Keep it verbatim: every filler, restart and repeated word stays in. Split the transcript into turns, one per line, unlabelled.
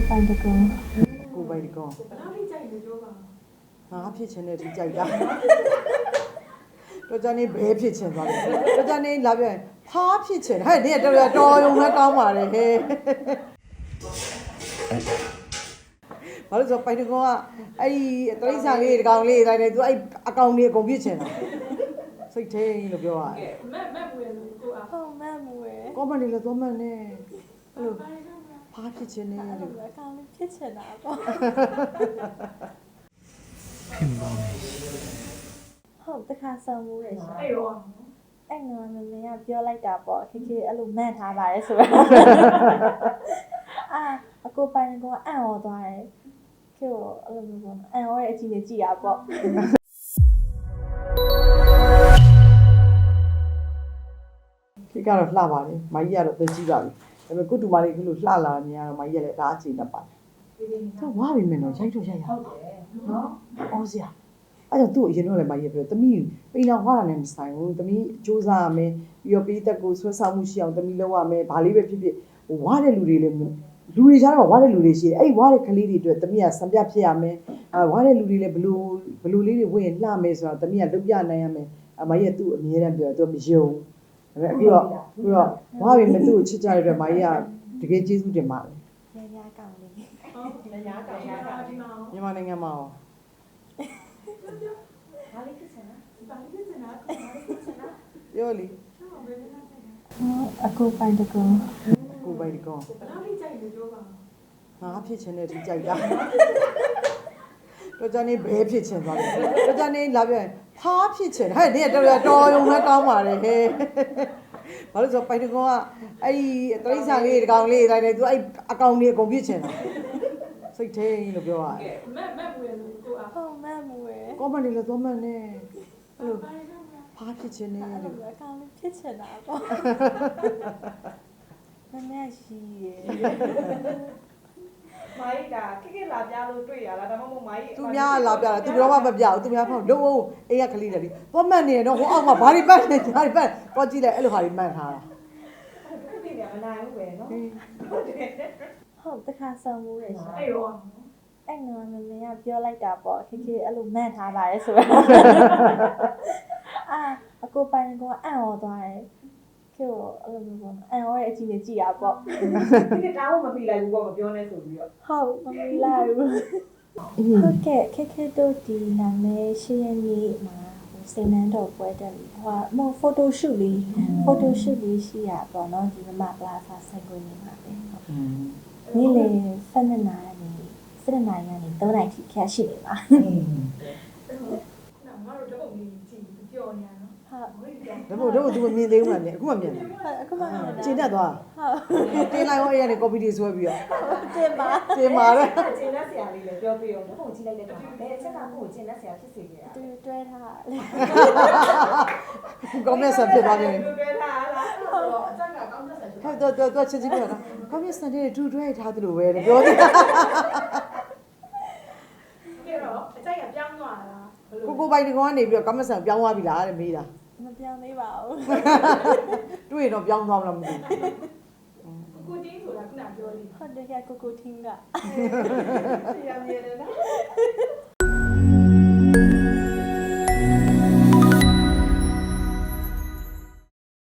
ပိုင်တကွန်
ကိုပိုင်တကွန်ဘယ်လောက်ထိကြိုက်လဲပြောပါငါဖြစ်ချင်တဲ့ဒီကြိုက်တာတော့ကြနေဘဲဖြစ်ချင်သွားတယ်တော့ကြနေလာပြန်ဖားဖြစ်ချင်ဟဲ့ဒီတော်တော်ရုံနဲ့ကောင်းပါလေဟဲ့ဘာလို့ဆိုပိုင်တကွန်ကအဲ့ဒီတရိษံလေးတကောင်လေးတိုင်းတယ်သူအဲ့အကောင်လေးအကုန်ဖြစ်ချင်တာစိတ်ထိန်လို့ပြောရတယ်
မက်မက်မွေးလို့ကိုအား
ဟုတ်မတ်မွေး
ကောမန်လေးလည်းသွားမှန်နေအဲ့လိုဖားဖြစ်ချင်နေတယ်လို့
အကောင်လေးဖြစ်ချင်တာပေါ့
ဖြစ်ပါမယ်
ဟုတ်တခါဆောင်မှုရရှိ
အဲ့ရော
အဲ့ငါမမေကပြောလိုက်တာပေါ့ခေခေအဲ့လိုမန့်ထားပါတယ်ဆိုတော့အာအကိုပိုင်ကအံ့ဩသွားတယ်ခေကိုအဲ့လိုမျိုးပေါ့အံ့ဩရဲ့အကြည့်နဲ့ကြည့်ရပေါ့
ခေကတော့လှပါလေမကြီးကတော့သိကြည့်ပါပြီဒါပေမဲ့ကုတူမလေးကလို့လှလာနေရတော့မကြီးကလည်းဒါအခြေနဲ့ပါတယ်သူဝါပြီမယ်နော်ရိုက်တော့ရိုက်ရဟုတ်တယ်နော်အော်စရာအဲ့တော့သူ့အရင်တော့လည်းမကြီးပြောသမီးပိန်အောင်ဝါတာနဲ့မဆိုင်ဘူးသမီးစူးစမ်းရမယ်ပြီးတော့ပေးသက်ကိုဆွဲဆောင်မှုရှိအောင်သမီးလုပ်ရမယ်ဘာလေးပဲဖြစ်ဖြစ်ဟိုဝါတဲ့လူတွေလည်းလူတွေကြားတော့ဝါတဲ့လူတွေရှိတယ်အဲ့ဒီဝါတဲ့ကလေးတွေအတွက်သမီးကစံပြဖြစ်ရမယ်အဲဝါတဲ့လူတွေလည်းဘလူဘလူလေးတွေဝင်လှမယ်ဆိုတော့သမီးကလုပ်ပြနိုင်ရမယ်အမကြီးကသူ့အမြဲတမ်းပြောသူမယုံဒါပေမဲ့ပြီးတော့ပြီးတော့ဝါပြီမသူ့ကိုချစ်ကြတဲ့အတွက်မကြီးကတကယ်ကျေးဇူးတင်ပါတယ်
ရရကောင်လေး
ဟုတ်ရရကောင်ရရဒီမှာ
မြန်မာနိုင်ငံမှာရော
ဘာလေးဖြစ်စင်လားဘာလေးဖြစ်စင်လားဘာလေးဖြစ်စင်လား
ပြောလေ
အကိုပိုင်တကွန်
ကိုပိုင်တကွန်
ဘယ်လောက်ထိကြိုက်လဲပြောပါ
ငါဖြစ်ချင်တဲ့ဒီကြိုက်တာတော့ကြနေဘဲဖြစ်ချင်သွားတယ်တော့ကြနေလာပြန်ဖားဖြစ်ချင်ဟဲ့ဒီတော်တော်ရုံနဲ့ကောင်းပါလေဟဲ့ဘာလို့ဆိုပိုင်တကွန်ကအဲ့ဒီတရိษံလေးတကောင်လေးတိုင်းတယ်သူအဲ့အကောင်လေးအကုန်ဖြစ်ချင်တာစိတ်ထိန်လို့ပြောရတယ်
မက်မက်မွေးလို့ကိုအား
ဟုတ်မတ်မွေး
ကောမန်လေးလည်းသွားမှန်နေအဲ့လိုဖားဖြစ်ချင်နေလို့
အကောင်လေးဖြစ်ချင်တာပေါ့မမေရှိရ
မိုင်းကခိခိလာပြလို့တွေ့ရလားဒါမှမဟုတ်မိုင်း
သူများလာပြတာသူတော့မပြဘူးသူများဖောက်လုံးအိမ်ကကလေးတယ်လေသွားမှန်နေတော့ဟိုအောက်ကဘာတွေပတ်နေဘာတွေပတ်တော့ကြည့်လိုက်အဲ့လိုဟာတွေမှန်ထားတာ
ခုတည်းကမနိုင်ဘူးပဲနော်
ဟုတ်တယ်ဟုတ်တခါဆောင်မှုရရှိ
အဲ့ရော
အဲ့ငါမမေကပြောလိုက်တာပေါ့ခေခေအဲ့လိုမန့်ထားပါတယ်ဆိုတော့အာအကိုပိုင်ကအံ့ဩသွားတယ်ခေကိုအဲ့လိုမျိုးပေါ့အံ့ဩရဲ့အကြည့်နဲ့ကြည့်ရပေါ့
ဒီတောင်းမပြီးလိုက်ဘူးပေါ့မပြောနဲ့ဆိုပြီးတော့
ဟုတ်မမီလာဘူးဟုတ်ကဲ့ခေခေတို့ဒီနာမည်ရှင်းရည်မှာစိန်နှန်းတော်ပွဲတက်ပြီးဟိုမဖိုတိုရှူတ်လေးဖိုတိုရှူတ်လေးရှိရပေါ့နော်ဒီမပလာစာဆိုင်ကိုနေမှာပဲဟုတ်နေ့လေဆယ်နှစ်နာရီဆယ်နှစ်နာရီကနေသုံးနာရီထိခက်ရှိနေပါ
ငါတို့တော့မင်းကြည့်ပြောနေရနော်
ဟုတ်
ဒါမို့တော့သူမမြင်သေးဘူးလားမြင်အခုမှမြင်တယ်
အခုမှ
ကျင်းတတ်သွား
ဟုတ်
တင်းလိုက်ဟောအဲ့ရနေ copy တွေဆွဲပြီးတော့
တင်ပါ
တင်ပါတဲ့
ကျင်းလက်ဆရာလေးလည်းပြောပြအောင်ပုံကြည့်လိုက်တဲ့အခါဘယ်အချက်ကကိုကျင်းလက်ဆရာဖြစ်စေခဲ့တာ
တူတွဲထားလေ
ကောင်းမြတ်ဆန်ဖြစ်သွားတယ်
တွဲထားလားဟုတ်တော့အချက်ကကောင်းမြတ်ဆန်ဖြစ်
ဟုတ်တော့တော့ချင်းချင်းပြောတာကောင်းမြတ်ဆန်တဲ့ဒူတွဲထားသလိုပဲပြောတယ်
ပြီးတော့အချက်ကပြောင်းသွားတာ
ကိုကိုပိုင်တကောင်ကနေပြီးတော့ကောင်းမြတ်ဆန်ပြောင်းသွားပြီလားတဲ့မေးတာ
မပြောင်းသေးပါဘူး
တွေ့ရင်တော့ပြောင်းသွားမလားမသိ
ဘူးကိုတင်းဆိုတာခုနပြောလိ
ဟုတ်တယ်ကကိုကိုထင်းက
ရမြင်တယ်နော်